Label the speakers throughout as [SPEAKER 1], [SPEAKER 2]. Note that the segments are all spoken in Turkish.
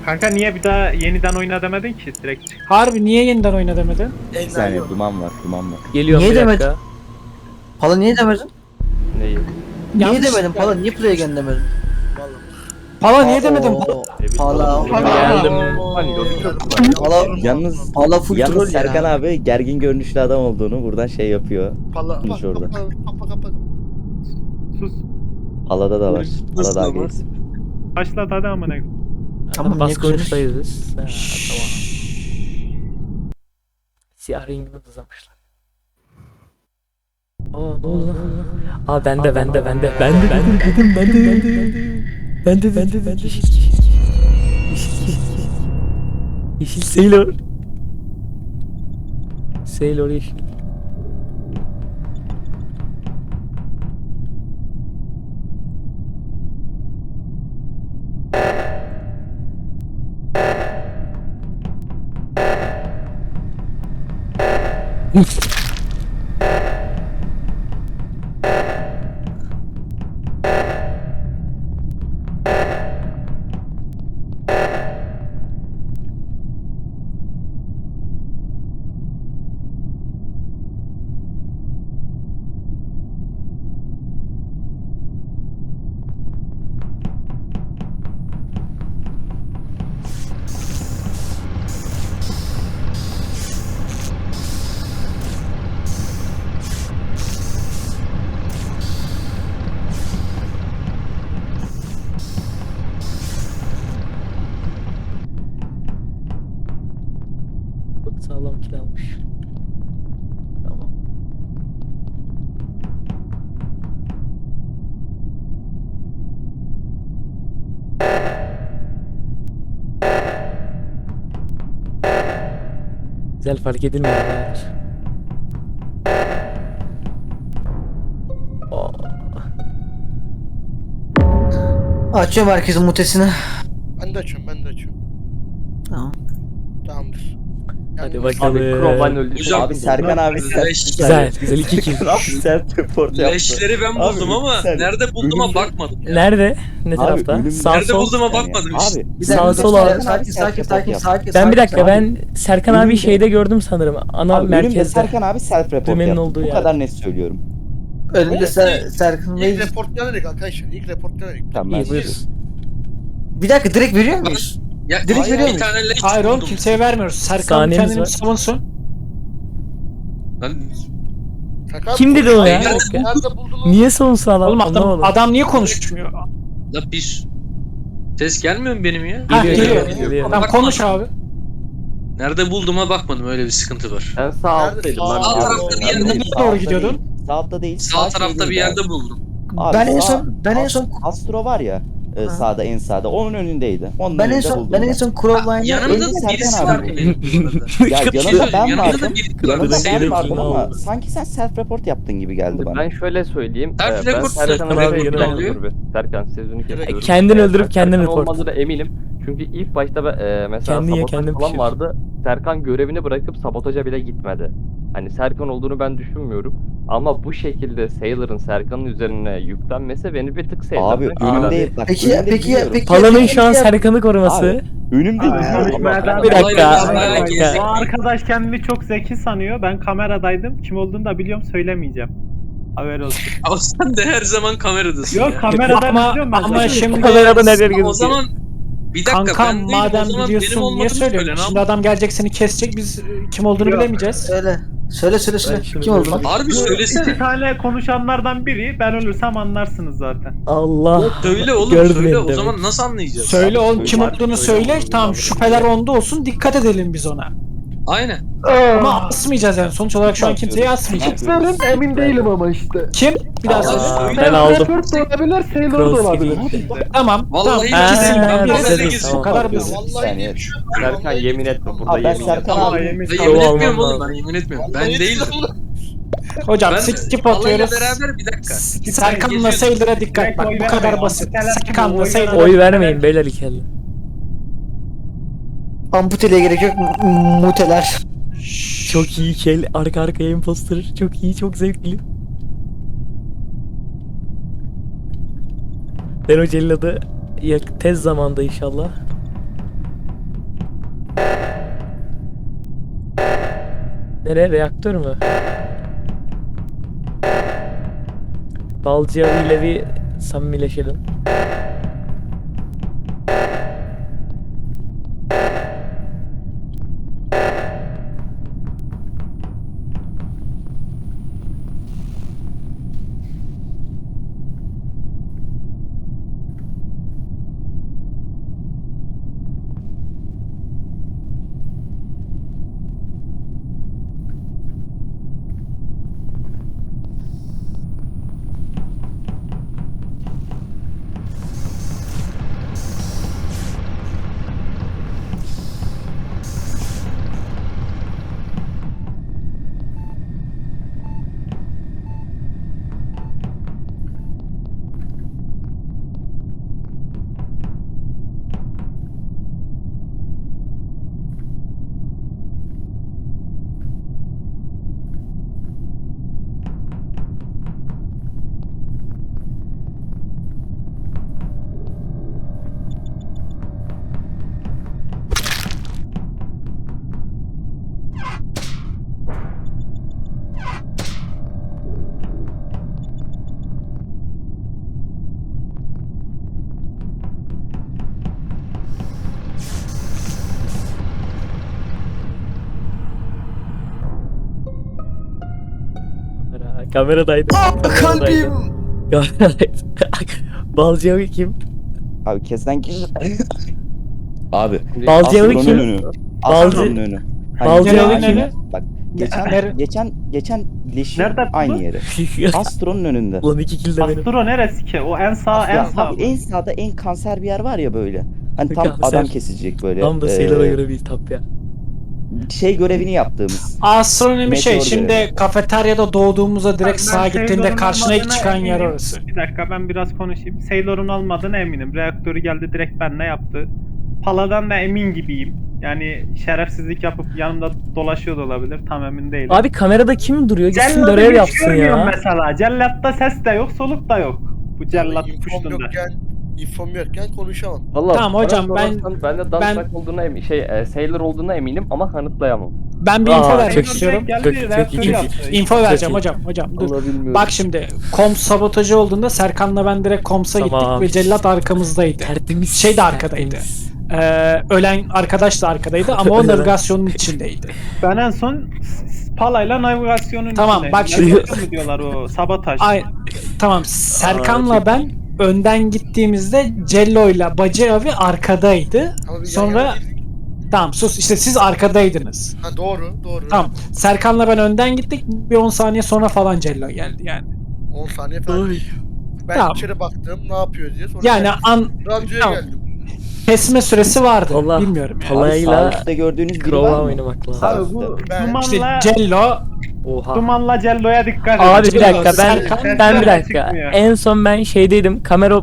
[SPEAKER 1] Kanka niye bir daha yeniden oyna demedin ki direkt?
[SPEAKER 2] Harbi niye yeniden oyna demedin?
[SPEAKER 3] Bir saniye duman var.
[SPEAKER 4] Geliyorum
[SPEAKER 5] Niye
[SPEAKER 4] bir dakika.
[SPEAKER 5] demedin? Pala niye demedin?
[SPEAKER 4] Neyi?
[SPEAKER 5] Niye
[SPEAKER 2] Yanlış.
[SPEAKER 5] demedin Pala? Niye play again demedin?
[SPEAKER 2] Pala niye demedin?
[SPEAKER 5] Oo, Pala.
[SPEAKER 4] Geldim.
[SPEAKER 5] Pala.
[SPEAKER 3] Yalnız
[SPEAKER 5] Pala full troll
[SPEAKER 3] Yalnız
[SPEAKER 5] ya.
[SPEAKER 3] Serkan abi gergin görünüşlü adam olduğunu buradan şey yapıyor.
[SPEAKER 6] Pala.
[SPEAKER 3] Konuş orada.
[SPEAKER 6] Kapa.
[SPEAKER 1] Sus.
[SPEAKER 3] Halada da var.
[SPEAKER 6] Nasıl
[SPEAKER 3] Halada
[SPEAKER 6] ama?
[SPEAKER 3] agres.
[SPEAKER 1] Başlat hadi amına.
[SPEAKER 5] Tamam,
[SPEAKER 4] Tamam, bas
[SPEAKER 5] niye
[SPEAKER 4] konuştayız biz. Ha, tamam. Siyah rengini uzamışlar. Aa ne oldu lan? Aa bende. Yeşil Sailor. Sailor yeşil. Çok sağlam kill almış. Tamam. Güzel fark edilmiyor. Evet. Aa,
[SPEAKER 5] Açıyorum herkesin mutesini.
[SPEAKER 6] Ben de açıyorum.
[SPEAKER 5] Tamam.
[SPEAKER 6] Tamamdır.
[SPEAKER 4] hadi
[SPEAKER 6] Yalnız-
[SPEAKER 4] bakalım.
[SPEAKER 7] Hocam,
[SPEAKER 3] Abi Serkan abi
[SPEAKER 4] Güzel 2 kill.
[SPEAKER 3] Serkan abi self report yaptı.
[SPEAKER 7] leşleri ben
[SPEAKER 3] Abi,
[SPEAKER 7] buldum ama
[SPEAKER 3] sen-
[SPEAKER 7] nerede bulduğuma
[SPEAKER 3] ölümde-
[SPEAKER 7] bakmadım.
[SPEAKER 4] Nerede? Ne tarafta?
[SPEAKER 3] ölümde-
[SPEAKER 4] Sağ
[SPEAKER 7] Nerede
[SPEAKER 4] sol.
[SPEAKER 7] bulduğuma bakmadım işte.
[SPEAKER 3] Abi
[SPEAKER 5] Bir
[SPEAKER 4] Sağ
[SPEAKER 5] dakika,
[SPEAKER 4] sol abi.
[SPEAKER 5] Sakin.
[SPEAKER 4] Ben bir dakika ben Serkan abi
[SPEAKER 3] Önümde.
[SPEAKER 4] şeyde gördüm sanırım. Ana
[SPEAKER 3] Abi önümde
[SPEAKER 4] merkezde.
[SPEAKER 3] Serkan abi self report
[SPEAKER 4] Dümenin
[SPEAKER 3] yaptı.
[SPEAKER 4] olduğu
[SPEAKER 3] Bu
[SPEAKER 4] yer.
[SPEAKER 3] kadar net söylüyorum.
[SPEAKER 5] Önünde Serkan Bey.
[SPEAKER 6] İlk report denedik arkadaşlar. İlk report denedik.
[SPEAKER 3] Tamam
[SPEAKER 4] İyi
[SPEAKER 3] ben
[SPEAKER 4] buyur.
[SPEAKER 5] Bir dakika direkt veriyor muyuz?
[SPEAKER 7] Ya,
[SPEAKER 5] Direkt
[SPEAKER 7] hayır,
[SPEAKER 5] veriyor
[SPEAKER 7] bir
[SPEAKER 5] muyuz?
[SPEAKER 7] tane leş
[SPEAKER 2] Hayır oğlum
[SPEAKER 7] buldum.
[SPEAKER 2] kimseye vermiyoruz. Serkan
[SPEAKER 4] Saniyemiz
[SPEAKER 2] kendini
[SPEAKER 4] var.
[SPEAKER 2] savunsun.
[SPEAKER 7] Ben
[SPEAKER 6] Serkan,
[SPEAKER 4] Kim dedi o ya?
[SPEAKER 6] Nerede,
[SPEAKER 4] Okey.
[SPEAKER 6] nerede buldun?
[SPEAKER 4] Niye savunsa adam?
[SPEAKER 2] Oğlum
[SPEAKER 4] Anlamadım.
[SPEAKER 2] adam niye konuşmuyor?
[SPEAKER 7] la bir ses gelmiyor mu benim ya?
[SPEAKER 2] Ha
[SPEAKER 4] Geliyor,
[SPEAKER 2] geliyor.
[SPEAKER 4] geliyor.
[SPEAKER 2] Adam konuş abi.
[SPEAKER 7] Nerede bulduğuma bakmadım, öyle bir sıkıntı var.
[SPEAKER 4] Ben sağ
[SPEAKER 6] alttaydım lan.
[SPEAKER 7] Sağ tarafta bir yerde
[SPEAKER 2] Nereye
[SPEAKER 7] buldum.
[SPEAKER 2] doğru gidiyordun?
[SPEAKER 3] Sağda değil.
[SPEAKER 7] Sağ tarafta
[SPEAKER 3] şeydeydi
[SPEAKER 7] bir yerde
[SPEAKER 3] abi.
[SPEAKER 7] buldum.
[SPEAKER 3] Abi
[SPEAKER 5] Ben en
[SPEAKER 3] sağ-
[SPEAKER 5] son
[SPEAKER 3] Astro var ya
[SPEAKER 5] Ha.
[SPEAKER 3] sağda en sağda onun önündeydi. Onun
[SPEAKER 5] ben en
[SPEAKER 3] önünde
[SPEAKER 5] son
[SPEAKER 3] buldum
[SPEAKER 5] ben en son Crowline'da
[SPEAKER 7] Yanımda
[SPEAKER 3] Önde
[SPEAKER 7] da
[SPEAKER 3] Serkan
[SPEAKER 7] birisi
[SPEAKER 3] abi.
[SPEAKER 7] vardı benim.
[SPEAKER 3] Ya
[SPEAKER 7] Bir şey
[SPEAKER 3] yanında
[SPEAKER 7] söyleyeyim,
[SPEAKER 3] ben
[SPEAKER 7] yanımda da
[SPEAKER 3] vardım.
[SPEAKER 7] biri
[SPEAKER 3] Yanında ben
[SPEAKER 7] Sailor
[SPEAKER 3] vardım
[SPEAKER 4] Kill'ini
[SPEAKER 3] ama
[SPEAKER 4] aldı.
[SPEAKER 3] sanki sen self report yaptın gibi geldi bana.
[SPEAKER 8] Ben şöyle söyleyeyim.
[SPEAKER 7] Self
[SPEAKER 8] ben
[SPEAKER 7] report
[SPEAKER 8] Serkan
[SPEAKER 7] self
[SPEAKER 8] abi
[SPEAKER 7] report
[SPEAKER 8] yanına
[SPEAKER 7] oluyor.
[SPEAKER 8] dur bir. Serkan sözünü kesiyorum.
[SPEAKER 4] Kendin öldürüp kendin
[SPEAKER 8] Serkan
[SPEAKER 4] report.
[SPEAKER 8] olmadığına eminim. Çünkü ilk başta mesela
[SPEAKER 4] Kendi ye,
[SPEAKER 8] sabotaj
[SPEAKER 4] kendin
[SPEAKER 8] falan
[SPEAKER 4] pişir.
[SPEAKER 8] vardı. Serkan görevini bırakıp sabotaja bile gitmedi. Hani Serkan olduğunu ben düşünmüyorum. Ama bu şekilde Sailor'ın Serkan'ın üzerine yüklenmesi beni bir tık sevdi.
[SPEAKER 3] Abi önümde bak
[SPEAKER 5] Peki
[SPEAKER 3] önümde biliyorum.
[SPEAKER 4] Palanın şu an Serkan'ı koruması.
[SPEAKER 3] Abi, önümde biliyorum.
[SPEAKER 4] Bir dakika.
[SPEAKER 7] Olaylar
[SPEAKER 4] Bir dakika.
[SPEAKER 1] O arkadaş kendini çok zeki sanıyor. Ben kameradaydım. Kim olduğunu da biliyorum, söylemeyeceğim. Haber olsun.
[SPEAKER 7] Ama sen de her zaman kameradasın
[SPEAKER 1] Yok
[SPEAKER 7] ya.
[SPEAKER 1] kameradan
[SPEAKER 2] Ama-
[SPEAKER 1] izliyorum ben.
[SPEAKER 2] ama
[SPEAKER 1] zaten.
[SPEAKER 2] şimdi-
[SPEAKER 4] Kameradan her yer
[SPEAKER 7] O
[SPEAKER 4] gözüküyor.
[SPEAKER 7] zaman bir dakika
[SPEAKER 2] Kankam
[SPEAKER 7] ben değilim, o
[SPEAKER 2] madem
[SPEAKER 7] zaman benim
[SPEAKER 2] biliyorsun niye
[SPEAKER 7] olmadığımı söyle.
[SPEAKER 2] söylüyorsun?
[SPEAKER 7] Ne
[SPEAKER 2] Şimdi adam gelecek seni kesecek biz kim olduğunu
[SPEAKER 1] Yok.
[SPEAKER 2] bilemeyeceğiz.
[SPEAKER 5] Söyle. Söyle.
[SPEAKER 4] Ben şunu
[SPEAKER 5] Kim oldu?
[SPEAKER 4] göreyim.
[SPEAKER 7] Harbi
[SPEAKER 1] İki
[SPEAKER 7] söylesene.
[SPEAKER 1] tane konuşanlardan biri, ben ölürsem anlarsınız zaten.
[SPEAKER 4] Allah.
[SPEAKER 7] Söyle oğlum
[SPEAKER 4] Gördüm
[SPEAKER 7] söyle. O
[SPEAKER 4] demek.
[SPEAKER 7] zaman nasıl anlayacağız?
[SPEAKER 2] Söyle oğlum kim
[SPEAKER 3] Söyle.
[SPEAKER 2] olduğunu söyle. Tamam şüpheler onda olsun dikkat edelim biz ona.
[SPEAKER 7] Aynen.
[SPEAKER 2] Ama asmayacağız yani sonuç olarak şu an kimseyi asmayacağız.
[SPEAKER 9] Emin değilim ama işte.
[SPEAKER 2] Kim? Bir daha söyle.
[SPEAKER 4] Ben aldım.
[SPEAKER 9] Report da olabilir, Sailor da
[SPEAKER 4] Cross
[SPEAKER 9] olabilir.
[SPEAKER 2] Tamam.
[SPEAKER 7] Vallahi
[SPEAKER 2] tamam.
[SPEAKER 7] ikisinden
[SPEAKER 2] İkisinden
[SPEAKER 7] biri
[SPEAKER 2] biri
[SPEAKER 7] de
[SPEAKER 2] o kadar basit.
[SPEAKER 6] Vallahi diye bir şey yok.
[SPEAKER 8] Serkan yemin etme burada
[SPEAKER 3] Abi ben
[SPEAKER 8] yemin etme.
[SPEAKER 3] Serkan
[SPEAKER 7] Ama
[SPEAKER 3] abi.
[SPEAKER 1] yemin-
[SPEAKER 7] ben
[SPEAKER 4] Tamam,
[SPEAKER 7] yemin etmiyorum
[SPEAKER 4] almam
[SPEAKER 7] oğlum, ben yemin etmiyorum. Ben
[SPEAKER 6] Vallahi
[SPEAKER 7] değildim.
[SPEAKER 2] Hocam
[SPEAKER 7] Ben
[SPEAKER 2] skip
[SPEAKER 7] Allah'yla
[SPEAKER 2] atıyoruz.
[SPEAKER 7] beraber bir dakika.
[SPEAKER 2] Serkan'la Sailor'a dikkat bak bu kadar basit. Serkan'la Sailor'a
[SPEAKER 4] Oy vermeyin beyler ikili.
[SPEAKER 5] Amputeliğe gerek yok. Muteler.
[SPEAKER 4] Çok iyi kel arka arkaya imposter. Çok iyi, çok zevkli. Ben o celladı tez zamanda inşallah. Nereye? Reaktör mü? Balcı ile bir samimileşelim. Kameradaydı.
[SPEAKER 5] Kalbim.
[SPEAKER 4] Kameradaydı. Balcı abi kim?
[SPEAKER 3] Abi kesten kişi. Abi.
[SPEAKER 4] Balcı abi
[SPEAKER 3] Astro'nun
[SPEAKER 4] kim?
[SPEAKER 3] önü.
[SPEAKER 4] Balcı-
[SPEAKER 3] Astro'nun önü. Hani
[SPEAKER 4] Balcı
[SPEAKER 3] geçen-
[SPEAKER 5] abi kim?
[SPEAKER 3] Bak
[SPEAKER 5] Nerede?
[SPEAKER 3] geçen leşi
[SPEAKER 1] Nerede yaptı
[SPEAKER 3] aynı
[SPEAKER 1] bu?
[SPEAKER 3] yere. Astro'nun önünde.
[SPEAKER 4] Ulan 2 kill de benim.
[SPEAKER 1] Astro neresi ki? O en sağ en
[SPEAKER 3] Ya
[SPEAKER 1] sağ.
[SPEAKER 3] abi en sağda en kanser bir yer var ya böyle. Hani tam
[SPEAKER 4] Kanser.
[SPEAKER 3] adam kesecek böyle.
[SPEAKER 4] Tam da Sailor'a göre bir tap ya.
[SPEAKER 3] Şey görevini yaptığımız.
[SPEAKER 5] Astronomi şey
[SPEAKER 3] Meteor
[SPEAKER 5] şimdi
[SPEAKER 3] görevi.
[SPEAKER 5] kafeteryada doğduğumuzda direkt
[SPEAKER 1] Ben
[SPEAKER 5] sağa gittiğinde
[SPEAKER 1] Sailor'un
[SPEAKER 5] karşına ilk
[SPEAKER 1] olmadığına
[SPEAKER 5] çıkan yer
[SPEAKER 1] eminim.
[SPEAKER 5] orası.
[SPEAKER 1] Bir dakika ben biraz konuşayım. Sailor'un olmadığına eminim. Reaktörü geldi direkt benle yaptı. Pala'dan da emin gibiyim. Yani şerefsizlik yapıp yanımda dolaşıyor da olabilir. Tam emin değilim.
[SPEAKER 4] Abi kamerada kim duruyor? Gitsin
[SPEAKER 1] Cellat'ı
[SPEAKER 4] görev
[SPEAKER 1] hiç
[SPEAKER 4] yapsın
[SPEAKER 1] görmüyorum
[SPEAKER 4] ya.
[SPEAKER 1] mesela. Cellatta ses de yok, soluk da yok. Bu cellat
[SPEAKER 6] İnfom
[SPEAKER 1] puştunda.
[SPEAKER 6] infom yokken konuşamam.
[SPEAKER 8] Vallahi
[SPEAKER 5] Tamam
[SPEAKER 8] bana
[SPEAKER 5] hocam,
[SPEAKER 8] sorarsan ben de Dansak olduğuna Sailor olduğuna eminim ama kanıtlayamam.
[SPEAKER 5] Ben bir
[SPEAKER 4] Aa,
[SPEAKER 5] info
[SPEAKER 4] çok
[SPEAKER 5] vermek
[SPEAKER 4] iyi.
[SPEAKER 5] istiyorum.
[SPEAKER 1] Geldi,
[SPEAKER 4] Çok iyi,
[SPEAKER 1] reaktörü
[SPEAKER 4] çok iyi.
[SPEAKER 1] yaptı.
[SPEAKER 5] Info vereceğim
[SPEAKER 4] iyi.
[SPEAKER 5] hocam dur.
[SPEAKER 8] Allah bilmiyorum.
[SPEAKER 5] Bak şimdi kom sabotajı olduğunda Serkan'la ben direkt komsa
[SPEAKER 4] Tamam.
[SPEAKER 5] gittik ve cellat arkamızdaydı.
[SPEAKER 4] Tertemiz.
[SPEAKER 5] Şey de arkadaydı.
[SPEAKER 4] tertemiz.
[SPEAKER 5] Ölen arkadaş da arkadaydı ama o
[SPEAKER 4] Ölen.
[SPEAKER 5] navigasyonun içindeydi.
[SPEAKER 1] Ben en son Pala'yla navigasyonun
[SPEAKER 5] Tamam,
[SPEAKER 1] içindeyim.
[SPEAKER 5] bak şimdi-
[SPEAKER 1] Navigasyon mu diyorlar o sabotaj.
[SPEAKER 5] Ay, tamam Serkan'la
[SPEAKER 4] çok
[SPEAKER 5] ben önden gittiğimizde Cello'yla Bacı abi arkadaydı.
[SPEAKER 6] Ama biz
[SPEAKER 5] Sonra-
[SPEAKER 6] yan yana değildik.
[SPEAKER 5] Tamam sus işte siz arkadaydınız.
[SPEAKER 6] Ha doğru.
[SPEAKER 5] Tamam Serkan'la ben önden gittik bir 10 saniye sonra falan Cello geldi yani.
[SPEAKER 6] 10 saniye falan.
[SPEAKER 4] Ay.
[SPEAKER 6] Ben
[SPEAKER 5] Tamam.
[SPEAKER 6] içeri baktım ne yapıyor diye. Sonra
[SPEAKER 5] Yani
[SPEAKER 6] radyoya
[SPEAKER 5] tamam.
[SPEAKER 6] geldim.
[SPEAKER 5] kesme süresi vardı.
[SPEAKER 4] Allah.
[SPEAKER 5] Bilmiyorum yani.
[SPEAKER 4] Allah.
[SPEAKER 3] Abi sağ
[SPEAKER 4] Palayla
[SPEAKER 3] üstte gördüğünüz biri
[SPEAKER 4] Crow'a
[SPEAKER 3] var mı?
[SPEAKER 4] oynamak lazım.
[SPEAKER 3] Sağ
[SPEAKER 1] Abi
[SPEAKER 3] üstte.
[SPEAKER 1] bu
[SPEAKER 6] Ben-
[SPEAKER 5] İşte
[SPEAKER 1] Duman'la
[SPEAKER 5] Cello
[SPEAKER 4] Oha.
[SPEAKER 1] Duman'la Cello'ya dikkat edin.
[SPEAKER 4] Abi bir dakika ben
[SPEAKER 5] Serkan-
[SPEAKER 4] ben bir dakika.
[SPEAKER 1] Çıkmıyor.
[SPEAKER 4] En son ben şeydeydim.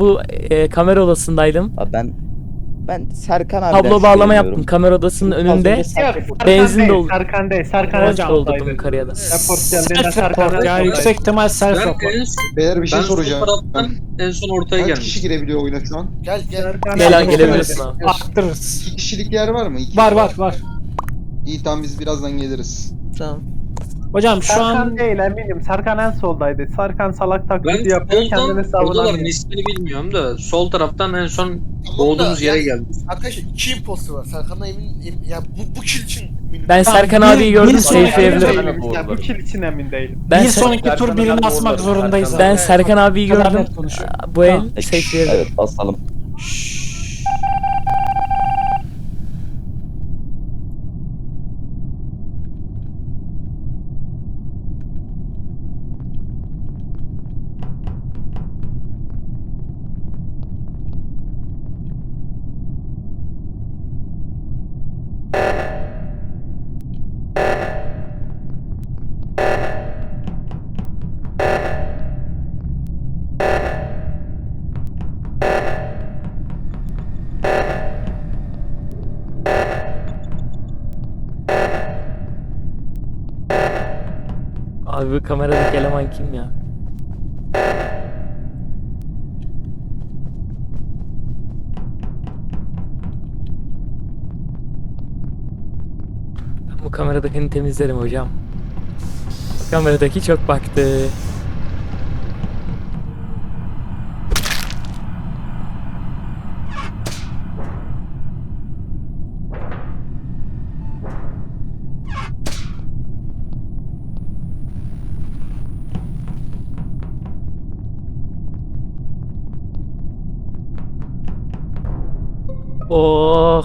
[SPEAKER 4] Kamera odasındaydım.
[SPEAKER 3] Abi ben Serkan abi.
[SPEAKER 4] Tablo bağlama yaptım kamera odasının önünde.
[SPEAKER 1] Yok, Serkan
[SPEAKER 4] Benzin
[SPEAKER 1] değil,
[SPEAKER 4] doldu.
[SPEAKER 1] Serkan değil. Serkan
[SPEAKER 5] Hocam,
[SPEAKER 1] Hocam
[SPEAKER 4] doldurdum
[SPEAKER 1] oradaydı.
[SPEAKER 4] kariyada.
[SPEAKER 1] Report geldiğinde
[SPEAKER 5] self
[SPEAKER 1] Serkan
[SPEAKER 5] report ya
[SPEAKER 1] oradaydı.
[SPEAKER 5] yüksek ihtimal self
[SPEAKER 7] Ben
[SPEAKER 5] report.
[SPEAKER 7] en son,
[SPEAKER 10] Beyler bir şey
[SPEAKER 7] ben sol
[SPEAKER 10] soracağım.
[SPEAKER 7] taraftan en son ortaya
[SPEAKER 10] Kaç kişi
[SPEAKER 7] geldim.
[SPEAKER 10] girebiliyor oyuna şu an?
[SPEAKER 6] Gel.
[SPEAKER 1] Serkan
[SPEAKER 4] Gel
[SPEAKER 1] oradaydı.
[SPEAKER 4] gelebilirsin abi.
[SPEAKER 5] Arttırırız.
[SPEAKER 10] 2 kişilik yer var mı? İki
[SPEAKER 5] Var.
[SPEAKER 10] İyi tamam biz birazdan geliriz.
[SPEAKER 4] Tamam.
[SPEAKER 5] Hocam şu
[SPEAKER 1] Serkan
[SPEAKER 5] an
[SPEAKER 1] değil eminim. Serkan en soldaydı. Serkan salak
[SPEAKER 7] Ben
[SPEAKER 1] taklidi yapıyor. Kendini
[SPEAKER 7] soldan,
[SPEAKER 1] savunamıyor.
[SPEAKER 7] odaların ismini bilmiyorum da sol taraftan en son
[SPEAKER 6] Tamam
[SPEAKER 7] doğduğumuz
[SPEAKER 6] da
[SPEAKER 7] yere
[SPEAKER 6] yani-
[SPEAKER 7] geldim.
[SPEAKER 6] Arkadaşlar 2 imposter var. Serkan'la emin ya bu kill için eminim.
[SPEAKER 4] Ben
[SPEAKER 5] Tamam,
[SPEAKER 4] Serkan
[SPEAKER 5] bir-
[SPEAKER 4] abiyi gördüm
[SPEAKER 5] bir sonraki
[SPEAKER 4] safe'leyebilirim.
[SPEAKER 5] bölüm-
[SPEAKER 1] Ya bu kill için emin değilim.
[SPEAKER 4] Ben,
[SPEAKER 5] bir
[SPEAKER 4] Ser-
[SPEAKER 5] sonraki tur
[SPEAKER 8] Serkan'la
[SPEAKER 5] birini
[SPEAKER 8] ben
[SPEAKER 5] asmak
[SPEAKER 8] doğrularım.
[SPEAKER 5] zorundayız.
[SPEAKER 8] Serkan'la
[SPEAKER 4] ben
[SPEAKER 5] abi.
[SPEAKER 4] Serkan abiyi
[SPEAKER 5] Kadar
[SPEAKER 4] gördüm.
[SPEAKER 5] net konuşuyor.
[SPEAKER 4] Bu el
[SPEAKER 5] Tamam.
[SPEAKER 4] safe'leyebilirim.
[SPEAKER 3] Evet basalım.
[SPEAKER 4] Abi bu kameradaki eleman kim ya? Ben bu kameradakini temizlerim hocam. Kameradaki çok baktı. Oh.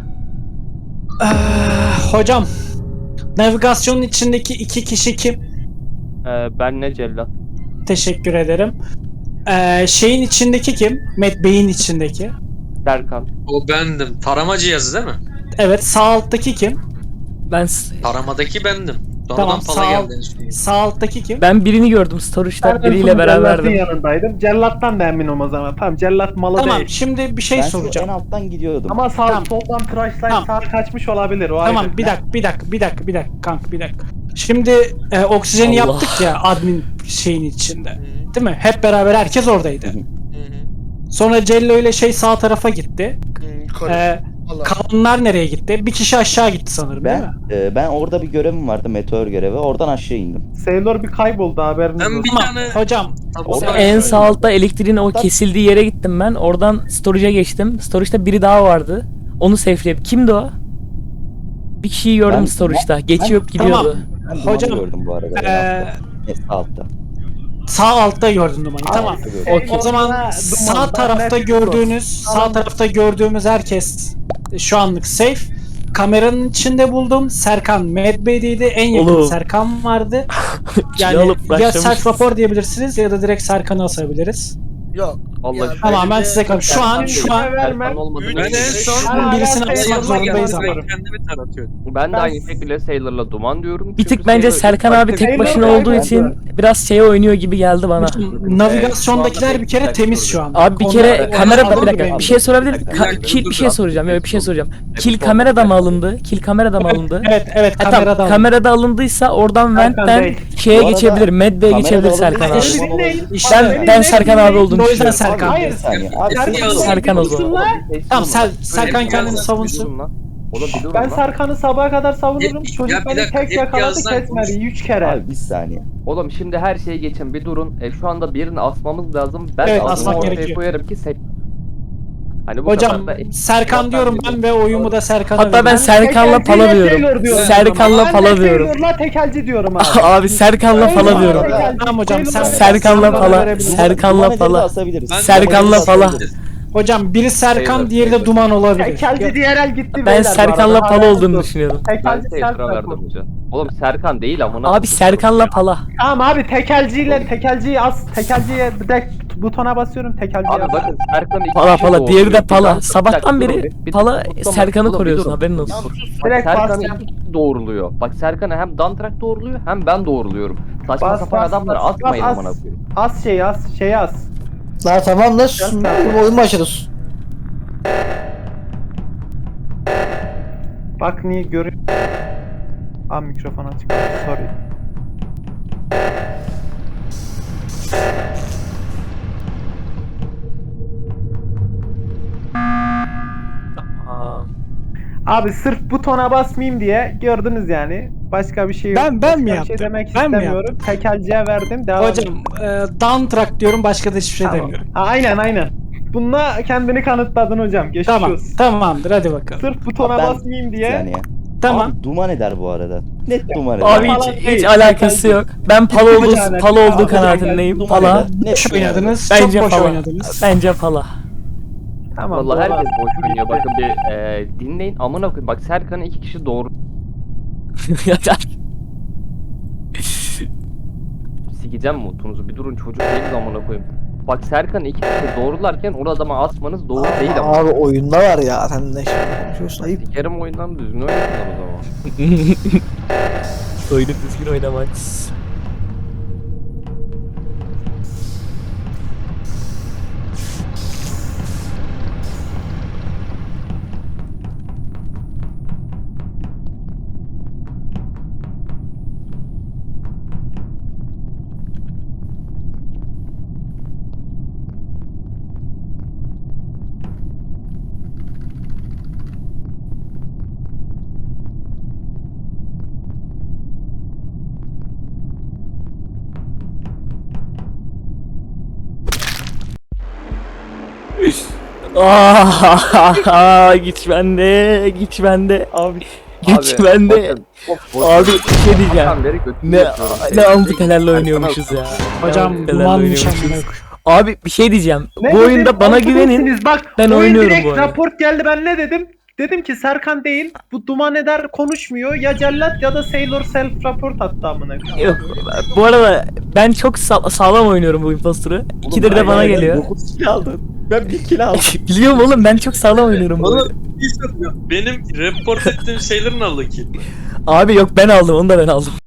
[SPEAKER 5] Hocam, navigasyonun içindeki 2 kişi kim?
[SPEAKER 8] Ben ne cellat?
[SPEAKER 5] Teşekkür ederim. Şeyin içindeki kim? Matt Bey'in içindeki.
[SPEAKER 8] Serkan.
[SPEAKER 7] O bendim. Tarama cihazı değil mi?
[SPEAKER 5] Evet, sağ alttaki kim?
[SPEAKER 7] Taramadaki bendim. Sonradan
[SPEAKER 5] Tamam,
[SPEAKER 7] pala
[SPEAKER 5] sağ,
[SPEAKER 7] geldi en son.
[SPEAKER 5] sağ alttaki kim?
[SPEAKER 4] Ben birini gördüm storage'da
[SPEAKER 1] Ben
[SPEAKER 4] biriyle
[SPEAKER 1] Cellat'ın
[SPEAKER 4] beraberdim.
[SPEAKER 1] yanındaydım. Cellat'tan da eminim o zaman. Tamam Cellat malı
[SPEAKER 5] Tamam,
[SPEAKER 1] değil.
[SPEAKER 5] şimdi bir şey
[SPEAKER 3] Ben şu
[SPEAKER 5] soracağım.
[SPEAKER 3] en alttan gidiyordum.
[SPEAKER 1] Ama sağ
[SPEAKER 5] Tamam.
[SPEAKER 1] soldan tıraşlayıp
[SPEAKER 5] Tamam.
[SPEAKER 1] sağa kaçmış olabilir. O
[SPEAKER 5] Tamam,
[SPEAKER 1] ayrı.
[SPEAKER 5] bir dakika kanka, bir dakika. Şimdi oksijeni
[SPEAKER 4] Allah.
[SPEAKER 5] yaptık ya admin şeyin içinde. Değil mi? Hep beraber herkes oradaydı.
[SPEAKER 6] Hı hı.
[SPEAKER 5] Sonra Cello ile şey sağ tarafa gitti.
[SPEAKER 6] Yukarı. Allah.
[SPEAKER 5] Kalanlar nereye gitti? Bir kişi aşağı gitti sanırım, değil mi?
[SPEAKER 3] Ben orada bir görevim vardı, meteor görevi. Oradan aşağı indim.
[SPEAKER 1] Sailor bir kayboldu haberiniz
[SPEAKER 7] Ben
[SPEAKER 1] olsun.
[SPEAKER 7] bir
[SPEAKER 5] Tamam,
[SPEAKER 7] tane
[SPEAKER 5] hocam.
[SPEAKER 7] sabotaj
[SPEAKER 4] En
[SPEAKER 7] gördüm.
[SPEAKER 4] sağ altta elektriğin o kesildiği yere gittim ben. Oradan storage'a geçtim. Storage'da biri daha vardı. Onu safe'leyip. Kimdi o? Bir kişiyi gördüm
[SPEAKER 3] Ben-
[SPEAKER 4] storage'da. Geçiyor gidiyordu.
[SPEAKER 3] Ben
[SPEAKER 5] Hocam,
[SPEAKER 3] dumanı gördüm bu arada. Sağ altta.
[SPEAKER 5] Sağ altta gördün dumanı. Tamam.
[SPEAKER 3] Altta gördüm.
[SPEAKER 4] Okey.
[SPEAKER 5] O zaman
[SPEAKER 1] Duman,
[SPEAKER 5] sağ
[SPEAKER 1] ben
[SPEAKER 5] tarafta
[SPEAKER 1] net
[SPEAKER 5] gördüğünüz, sağ tarafta gördüğümüz herkes şu anlık safe. Kameranın içinde buldum. Serkan Medbay'deydi. En yakın
[SPEAKER 4] Oğlum.
[SPEAKER 5] Serkan vardı.
[SPEAKER 4] Kilo
[SPEAKER 5] Yani
[SPEAKER 4] alıp
[SPEAKER 5] ya
[SPEAKER 4] başlamışız.
[SPEAKER 5] self rapor diyebilirsiniz ya da direkt Serkan'ı asabiliriz.
[SPEAKER 6] Yok.
[SPEAKER 8] Allah
[SPEAKER 6] Ya,
[SPEAKER 8] aşkına.
[SPEAKER 5] Tamam, ben
[SPEAKER 6] bence-
[SPEAKER 5] size kalın. Şu an
[SPEAKER 8] Serkan olmadığını
[SPEAKER 7] Ben en son
[SPEAKER 5] Şu an birisini
[SPEAKER 1] Hala
[SPEAKER 5] asmak
[SPEAKER 1] Sailor'la
[SPEAKER 5] zorundayız ama.
[SPEAKER 1] geldim.
[SPEAKER 7] kendimi taratıyordum.
[SPEAKER 8] Ben de
[SPEAKER 1] Ben-
[SPEAKER 8] aynı şekilde Sailor'la duman diyorum.
[SPEAKER 4] Bir
[SPEAKER 8] Çünkü
[SPEAKER 4] tık bence
[SPEAKER 8] Sailor-
[SPEAKER 4] Serkan abi tek
[SPEAKER 1] Sailor
[SPEAKER 4] başına
[SPEAKER 1] kayboldu.
[SPEAKER 4] olduğu için biraz şeye oynuyor gibi geldi bana.
[SPEAKER 5] Navigasyondakiler bir kere temiz şu an.
[SPEAKER 4] Abi bir
[SPEAKER 5] Onlar-
[SPEAKER 4] kere
[SPEAKER 5] onlar
[SPEAKER 4] kamerada bir
[SPEAKER 5] alındı
[SPEAKER 4] dakika
[SPEAKER 5] benim.
[SPEAKER 4] bir şey sorabilir miyim?
[SPEAKER 7] Bir dakika,
[SPEAKER 4] Kill
[SPEAKER 7] dur,
[SPEAKER 4] bir şey
[SPEAKER 7] dur.
[SPEAKER 4] soracağım. Evet bir şey soracağım. Kill
[SPEAKER 8] Evet,
[SPEAKER 4] kamerada mı alındı? Kill kamerada mı alındı?
[SPEAKER 5] Evet,
[SPEAKER 4] Ha,
[SPEAKER 5] kamerada.
[SPEAKER 4] tamam, kamerada alındıysa oradan
[SPEAKER 1] Serkan
[SPEAKER 4] ventten
[SPEAKER 1] değil.
[SPEAKER 4] şeye
[SPEAKER 3] Bu arada
[SPEAKER 4] geçebilir. Medbay'e
[SPEAKER 3] kamerada
[SPEAKER 4] geçebilir
[SPEAKER 3] alındı.
[SPEAKER 4] Serkan abi.
[SPEAKER 5] İşte-
[SPEAKER 4] Ben ben Serkan abi olduğunu
[SPEAKER 5] O yüzden
[SPEAKER 4] düşünüyorum.
[SPEAKER 5] Serkan.
[SPEAKER 1] Hayır.
[SPEAKER 3] Bir saniye. Abi
[SPEAKER 4] Serkan o zaman.
[SPEAKER 5] Tamam, Serkan
[SPEAKER 7] Hep
[SPEAKER 5] kendini
[SPEAKER 7] yazdan
[SPEAKER 5] savunsun.
[SPEAKER 1] Ben Serkan'ı sabaha kadar savunurum.
[SPEAKER 7] Ya
[SPEAKER 1] Çocuk
[SPEAKER 7] bir
[SPEAKER 1] beni
[SPEAKER 7] dakika,
[SPEAKER 1] tek
[SPEAKER 7] hep
[SPEAKER 1] yakaladı
[SPEAKER 7] yazdan
[SPEAKER 1] kesmedi 3 kere.
[SPEAKER 3] Abi bir saniye.
[SPEAKER 8] Oğlum şimdi her şeye geçin bir durun. Şu anda birini asmamız lazım. Ben
[SPEAKER 5] Evet,
[SPEAKER 8] adımı
[SPEAKER 5] asmak
[SPEAKER 8] ortaya
[SPEAKER 5] gerekiyor.
[SPEAKER 8] koyarım ki Hani bu
[SPEAKER 5] Hocam
[SPEAKER 8] kadar da-
[SPEAKER 5] Serkan diyorum ben ve oyumu da Serkan'a
[SPEAKER 4] Hatta ben
[SPEAKER 5] veriyorum.
[SPEAKER 4] Serkan'la
[SPEAKER 1] Tekelciyle
[SPEAKER 4] pala
[SPEAKER 1] Sailor
[SPEAKER 4] diyorum.
[SPEAKER 1] diyorum.
[SPEAKER 4] Serkan'la
[SPEAKER 1] Ben
[SPEAKER 4] pala
[SPEAKER 1] de
[SPEAKER 4] diyorum.
[SPEAKER 1] Sailor'la tekelci diyorum abi.
[SPEAKER 4] Abi Serkan'la pala diyorum.
[SPEAKER 5] Tamam hocam,
[SPEAKER 4] Serkan'la pala. Serkan'la
[SPEAKER 3] Duman ederi de
[SPEAKER 4] pala.
[SPEAKER 3] asabiliriz.
[SPEAKER 7] Ben-
[SPEAKER 4] Serkan'la pala.
[SPEAKER 5] Hocam biri Serkan,
[SPEAKER 8] Sailor,
[SPEAKER 5] diğeri de
[SPEAKER 8] Sailor.
[SPEAKER 5] Duman olabilir.
[SPEAKER 1] Tekelci diğer el gitti.
[SPEAKER 4] Ben
[SPEAKER 1] beyler bu
[SPEAKER 4] Serkan'la
[SPEAKER 1] arada.
[SPEAKER 4] pala
[SPEAKER 1] Hala
[SPEAKER 4] olduğunu
[SPEAKER 1] yok.
[SPEAKER 4] düşünüyorum.
[SPEAKER 8] Ben
[SPEAKER 1] Tekelci
[SPEAKER 8] Sailor'a
[SPEAKER 1] Serkan.
[SPEAKER 8] verdim hocam. Oğlum Serkan değil amına.
[SPEAKER 4] Abi Serkan'la pala.
[SPEAKER 1] Tamam abi tekelciyi as. Tekelciye bir de butona basıyorum tekelciye
[SPEAKER 8] Abi
[SPEAKER 1] as.
[SPEAKER 8] bakın Serkan iki
[SPEAKER 4] Pala
[SPEAKER 8] kişi
[SPEAKER 4] pala.
[SPEAKER 8] doğuruyor.
[SPEAKER 4] Diğeri de
[SPEAKER 8] Bir
[SPEAKER 4] pala.
[SPEAKER 8] dakika,
[SPEAKER 4] Sabahtan
[SPEAKER 8] bir dakika,
[SPEAKER 4] beri
[SPEAKER 8] durun, bir-
[SPEAKER 4] pala
[SPEAKER 8] tutamam.
[SPEAKER 4] Serkan'ı
[SPEAKER 8] Oğlum,
[SPEAKER 4] koruyorsun
[SPEAKER 8] bir durun.
[SPEAKER 4] haberin olsun.
[SPEAKER 8] Bak
[SPEAKER 1] Direkt
[SPEAKER 8] Serkan'ı
[SPEAKER 1] bas.
[SPEAKER 8] iki kişi doğruluyor. Bak Serkan'ı hem Dantrak doğruluyor hem ben doğruluyorum. Saçma
[SPEAKER 1] Bas,
[SPEAKER 8] sapan
[SPEAKER 1] bas,
[SPEAKER 8] adamları
[SPEAKER 1] bas,
[SPEAKER 8] atmayın
[SPEAKER 1] bas,
[SPEAKER 8] amına
[SPEAKER 1] as.
[SPEAKER 8] koyayım.
[SPEAKER 1] As şeyi as.
[SPEAKER 2] La tamam da oyun başladı.
[SPEAKER 1] Bak niye görüyor. Aa mikrofon açık. Sorry. Abi sırf butona basmayayım diye gördünüz yani. Başka bir şey yok.
[SPEAKER 5] Ben
[SPEAKER 1] Başka
[SPEAKER 5] mi
[SPEAKER 1] bir
[SPEAKER 5] yaptım?
[SPEAKER 1] şey demek
[SPEAKER 5] Ben mi
[SPEAKER 1] istemiyorum. Tekelciye verdim. Devam
[SPEAKER 5] Hocam downtrack diyorum, başka da hiçbir şey
[SPEAKER 1] Tamam.
[SPEAKER 5] demiyorum.
[SPEAKER 1] Ha, aynen. Bununla kendini kanıtladın hocam. Geçmiş
[SPEAKER 5] Tamam,
[SPEAKER 1] olsun.
[SPEAKER 5] tamamdır, hadi bakalım.
[SPEAKER 1] Sırf butona
[SPEAKER 3] Ben-
[SPEAKER 1] basmayayım
[SPEAKER 3] Bir
[SPEAKER 1] diye.
[SPEAKER 3] saniye.
[SPEAKER 5] Tamam.
[SPEAKER 3] Abi duman eder bu arada. Net duman eder.
[SPEAKER 4] Abi
[SPEAKER 1] Pala
[SPEAKER 4] hiç
[SPEAKER 1] değil,
[SPEAKER 4] alakası
[SPEAKER 1] tekelci.
[SPEAKER 4] yok. Ben pala
[SPEAKER 1] Hiçbir
[SPEAKER 4] olduğu
[SPEAKER 1] tane-
[SPEAKER 4] pala olduğu
[SPEAKER 1] Abi,
[SPEAKER 4] kanaatindeyim.
[SPEAKER 3] Duman
[SPEAKER 4] Pala.
[SPEAKER 3] eder. Net
[SPEAKER 5] Boş
[SPEAKER 3] duman eder.
[SPEAKER 5] oynadınız,
[SPEAKER 4] Bence
[SPEAKER 5] çok boş
[SPEAKER 4] pala.
[SPEAKER 5] oynadınız.
[SPEAKER 4] Bence pala.
[SPEAKER 1] Tamam.
[SPEAKER 8] Vallahi
[SPEAKER 1] doğru.
[SPEAKER 8] herkes boş oynuyor. Bakın bir dinleyin amına koyayım. Bak Serkan'ı iki kişi doğru sikeceğim mutunuzu. Bir durun çocuk değiliz amına koyayım. Bak Serkan'ı iki kişi doğrularken o adama asmanız doğru değil ama.
[SPEAKER 2] Abi oyunda var ya, sen de şimdi konuşuyorsun, ayıp.
[SPEAKER 8] Sikerim oyundan düzgün oynasınlar o zaman.
[SPEAKER 4] Oyunu düzgün oynamak. Güç bende, güç bende. Abi güç
[SPEAKER 8] Abi,
[SPEAKER 4] bende.
[SPEAKER 8] bakın, çok boş
[SPEAKER 4] Abi
[SPEAKER 8] ver.
[SPEAKER 4] bir şey diyeceğim.
[SPEAKER 8] Sabahtan beri götümü
[SPEAKER 4] Ne
[SPEAKER 8] yapıyorum.
[SPEAKER 4] ne antitelerle oynuyormuşuz ya.
[SPEAKER 5] Hocam
[SPEAKER 4] Antitelerle
[SPEAKER 5] dumanmış
[SPEAKER 4] oynuyormuşuz.
[SPEAKER 5] amına.
[SPEAKER 4] Abi bir şey diyeceğim.
[SPEAKER 1] Ne
[SPEAKER 4] Bu
[SPEAKER 1] dedim?
[SPEAKER 4] oyunda bana
[SPEAKER 1] Altı
[SPEAKER 4] güvenin.
[SPEAKER 1] değilsiniz. Bak,
[SPEAKER 4] Ben
[SPEAKER 1] oyun
[SPEAKER 4] oynuyorum
[SPEAKER 1] direkt
[SPEAKER 4] bu oyunu.
[SPEAKER 1] raport geldi, ben ne dedim? Dedim ki Serkan değil, bu Duman Eder konuşmuyor. Ya Cellat ya da Sailor self report attı amına.
[SPEAKER 4] Yok. Bu arada ben çok sağlam oynuyorum bu imposter'ı. İkidir de bana geliyor.
[SPEAKER 3] 9 kill aldın. Ben 1 kill aldım.
[SPEAKER 4] Biliyorum oğlum, ben çok sağlam oynuyorum bu oyunu.
[SPEAKER 7] Oğlum benim report ettiğim Sailor'ın aldı ki.
[SPEAKER 4] Abi yok, ben aldım, onu da ben aldım.